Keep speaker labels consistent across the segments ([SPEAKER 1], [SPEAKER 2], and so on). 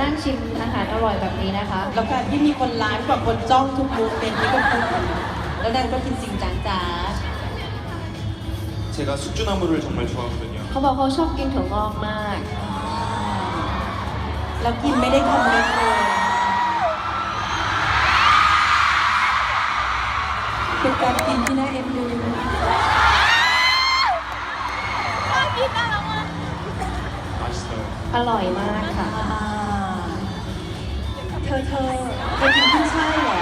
[SPEAKER 1] นั่งชิมอาหารอร่อยแบบนี้นะคะ
[SPEAKER 2] แล้วการที่มีคนไลฟ์กับคนจ้องทุกมูฟเป็นที่ก็พูดแล้วนางก็กินจริงจังจ้า
[SPEAKER 3] 제가 숙주나물을 정말 좋아하거든요.
[SPEAKER 1] เขาบอกเขาชอบกินถั่วงอกมาก
[SPEAKER 2] แล้วกินไม่ได้คำเล็กเลยเป็นการกินที่น่าเอ็นดู
[SPEAKER 3] 맛있어요.
[SPEAKER 1] อร่อยมากค่ะ
[SPEAKER 2] เธอกินขึ้นช่ายเหรอ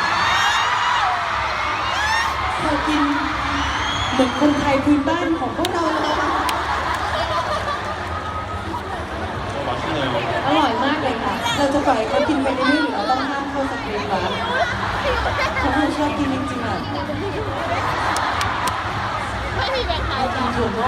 [SPEAKER 2] เธอกินเหมือนคนไทยพื้นบ้านของพวกเราเลย
[SPEAKER 3] 맛있네요.
[SPEAKER 1] อร่อยมากเลยค่ะ
[SPEAKER 2] เราจะปล่อยให้เขากินไปเรื่อยๆหรือเราต้องห้ามเข้าสคริปต์วะเขาคงชอบกินจริงๆอ่ะ
[SPEAKER 4] ไม่มีแบ่งขาย
[SPEAKER 2] กินถั่วงอก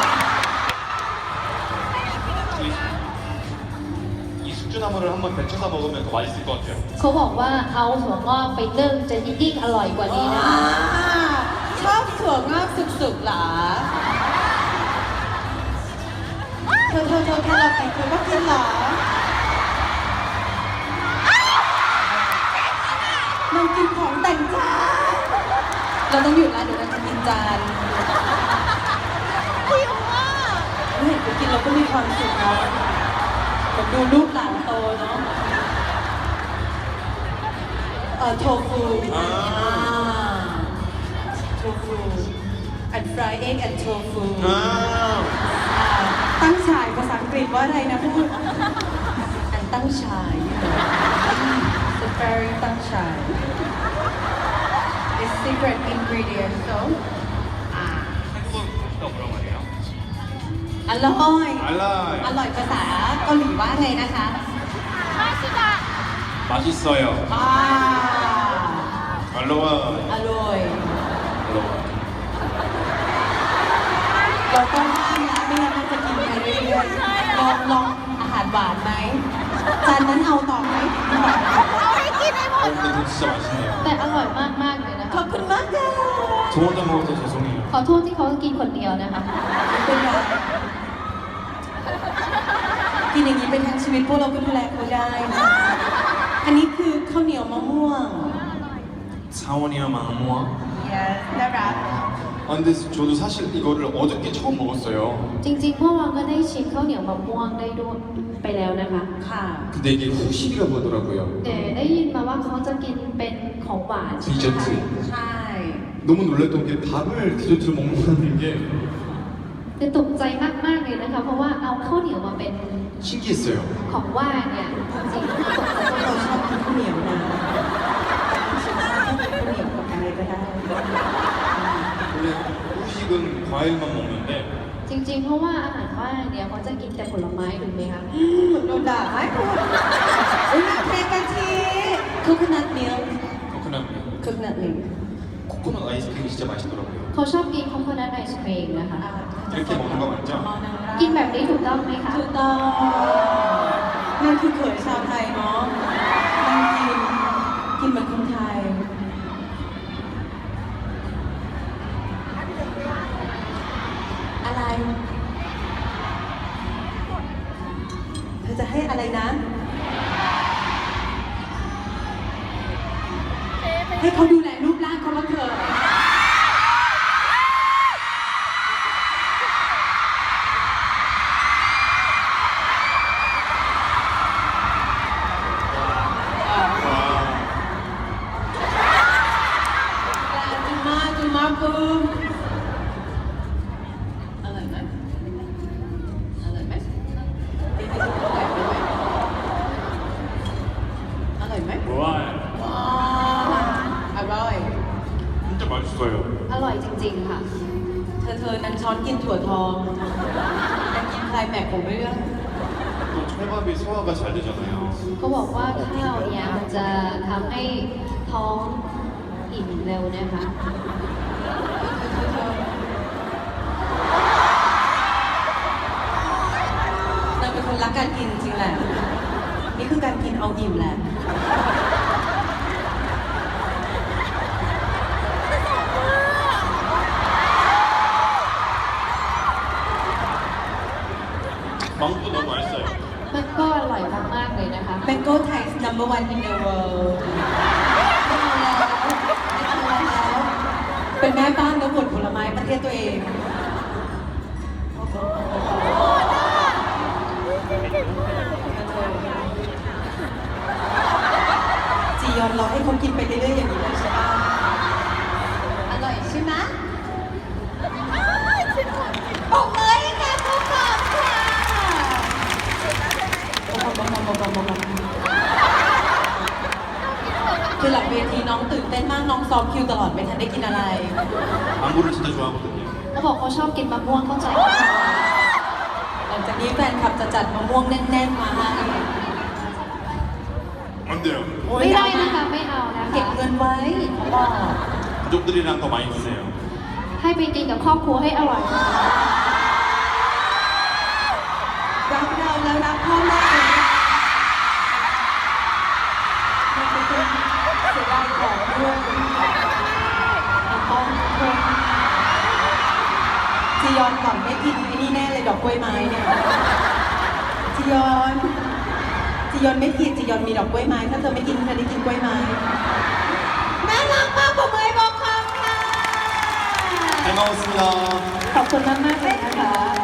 [SPEAKER 3] 이 숙주나물을 한번 데쳐서 먹으면 더 맛있을 것 같아요.
[SPEAKER 1] เขาบอกว่าเอาถั่วงอกไปนึ่งจะยิ่งอร่อยกว่านี้นะ
[SPEAKER 2] อ่า
[SPEAKER 1] คะ
[SPEAKER 2] ชอบถั่วงอกสุกๆเหรอเธอแครอทไหนเธอก็กินเหรอนางกินของแต่งจานเราต้องหยุดแล้วเดี๋ยวนางจะกินจาน
[SPEAKER 4] หิวอ่ะ
[SPEAKER 2] เห็นเขากินเราก็มีความสุขเนาะแบบดูลูกหลานโตเนาะโทฟู
[SPEAKER 3] อ่า
[SPEAKER 2] โทฟูอันฟรายเอ็กแอนโทฟู
[SPEAKER 3] 아,
[SPEAKER 2] ตั้งฉายภาษาอังกฤษว่าอะไรนะพูด อันตั้งฉาย The fairy ตั้งฉาย It's secret ingredient so
[SPEAKER 3] 한국어 뭐라고 하네요?
[SPEAKER 2] อร่อย
[SPEAKER 3] 알라이.
[SPEAKER 2] อร่อยภาษาเกาหลีว่าไงนะคะ
[SPEAKER 4] มาชิดะ
[SPEAKER 3] 맛있어요.
[SPEAKER 2] อ่า
[SPEAKER 3] 알로하.
[SPEAKER 2] อร่อย
[SPEAKER 3] 알로하.
[SPEAKER 2] เราต้องห้ามนะไม่งั้นมันจะกินไปเรื่อยๆลองอาหารหวานไหมจานนั้นเอาต่อไหม
[SPEAKER 4] เอาให้กินให้หมด
[SPEAKER 3] 근데 진짜 맛있네요.
[SPEAKER 1] แต่อร่อยมากๆเลยนะ
[SPEAKER 2] ขอ
[SPEAKER 1] คะ
[SPEAKER 2] บคุณมากค่ะ
[SPEAKER 3] 저 혼자 먹어서 죄송해요.
[SPEAKER 1] ขอโทษที่เขากินคนเดียวนะคะ
[SPEAKER 2] ไม่เป็นไรกินอย่างนี้เป็นทั้งชีวิตพวกเราก็ดูแลเขาได้นะอันนี้คือข้าวเหนียวมะม่วง
[SPEAKER 3] 사원이야 망모아.
[SPEAKER 2] yes น่ารัก
[SPEAKER 3] 아, 근데 저도 사실 이거를 어저께 처음 먹었어요.
[SPEAKER 1] จริงๆเมื่อวานก็ได้ชิมข้าวเหนียวมะม่วงได้ด้วยไปแล้วนะคะ
[SPEAKER 2] ค่ะ
[SPEAKER 3] 근데 이게 후식이라고 하더라고요.
[SPEAKER 1] แต่ได้ยินมาว่าเขาจะกินเป็นของหวานใช่ไหมคะ
[SPEAKER 3] 디저트.
[SPEAKER 2] ใช่
[SPEAKER 3] 너무 놀랐던 게 밥을 디저트로 먹는다는 게
[SPEAKER 1] แต่ตกใจมากๆเลยนะคะ เพราะว่าเอาข้าวเหนียวมาเป็น
[SPEAKER 3] 신기했어요.
[SPEAKER 1] ของว่างเนี่ยจริงๆตกใจ
[SPEAKER 2] เราชอบกินข้าวเหนียวนะข้าวเหนียวกับอะไรก็ได้
[SPEAKER 3] 원래 후식은 과일만 먹는데
[SPEAKER 1] จริงๆ เพราะว่าอาหารว่างเนี่ยเขาจะกินแต่ผลไม้ถูกไหมคะ
[SPEAKER 2] เหมือนโดนด่าไหมอุ้ยเทกะทิคุกนัทมิล
[SPEAKER 3] 코코넛
[SPEAKER 2] คุกนัทมิล
[SPEAKER 3] 코코넛 아이스크림이 진짜 맛있더라고요.
[SPEAKER 1] เขาชอบกินคอมโพนัทไอศครีมนะคะ
[SPEAKER 3] 이렇게 먹는 거 맞죠?
[SPEAKER 1] กินแบบนี้ถูกต้องไหมคะ
[SPEAKER 2] ถูกต้องนั่นคือเขยชาวไทยเนาะนั่งกินเหมือนคนไทย อะไร เธอจะให้อะไรนะ ให้เขาดูแลรูปร่างเขาบ้างเถอะ จุมาบูมอร่อยไหมอร่อยไหมอร่อยไหม
[SPEAKER 3] 와,
[SPEAKER 2] ว้าวอร่อย
[SPEAKER 3] 진짜 맛있어요.
[SPEAKER 1] อร่อยจริงๆค่ะ
[SPEAKER 2] เธอนั้นช้อนกินถั่วทองแต่กินไคลแม็กซ์ของเรื่อง
[SPEAKER 3] 또 찰밥이 소화가 잘 되잖아요.
[SPEAKER 1] เขาบอกว่าข้าวเนี่ยมันจะทำให้ท้องอิ่มเร็วนะคะ
[SPEAKER 2] นางเป็นคนรักการกินจริงแหละ นี่คือการกินเอาอิ่มแหละ
[SPEAKER 3] 망도 너무 맛있어요.
[SPEAKER 1] มันก็อร่อยมากๆเลยเลยนะคะ
[SPEAKER 2] Mango Thai is number one in the world ไม่เอาแล้วไม่เอาแล้ว เป็นแม่บ้านแล้วหมดผลไม้ประเทศตัวเอง จียอนเราให้เขากินไปเรื่อยๆอย่างนี้เลยใช่ปะอร่อยใช่ไหมปกมือให้ค่ะทุกคนค่ะคือหลังเวทีน้องตื่นเต้นมากน้องซ้อมคิวตลอดไม่ทันได้กินอะไร
[SPEAKER 3] 망고를 진짜 좋아하거든요.
[SPEAKER 1] เขาบอกเขาชอบกินมะม่วงเข้าใจไหมคะ
[SPEAKER 2] หลังจากนี้แฟนคลับจะจัดมะม่วงแน่นๆมาให้
[SPEAKER 3] 안 돼요.
[SPEAKER 1] ไม่ได้นะคะไม่เอานะ
[SPEAKER 2] เก็บ
[SPEAKER 1] คะ
[SPEAKER 2] เงินไว้เขาบอก
[SPEAKER 3] 가족들이랑 더 많이 드세요.
[SPEAKER 1] ให้ไปกินกับครอบครัวให้อร่อยนะคะ
[SPEAKER 2] รักเราแล้วรักพ่อแม่เลยมันจะเป็นเสียดายของด้วยต้องคนจียอนก่อนไม่กินไอ้นี่แน่เลยดอกกล้วยไม้เนี่ยจียอนไม่ผิดจียอนมีดอกกล้วยไม้ถ้าเธอไม่กินเธอได้กินกล้วยไม้น่ารักมากปรบมือให้บอกคำค่ะ
[SPEAKER 3] 잘 먹었습니다.
[SPEAKER 2] ขอบคุณมากๆเลยนะคะ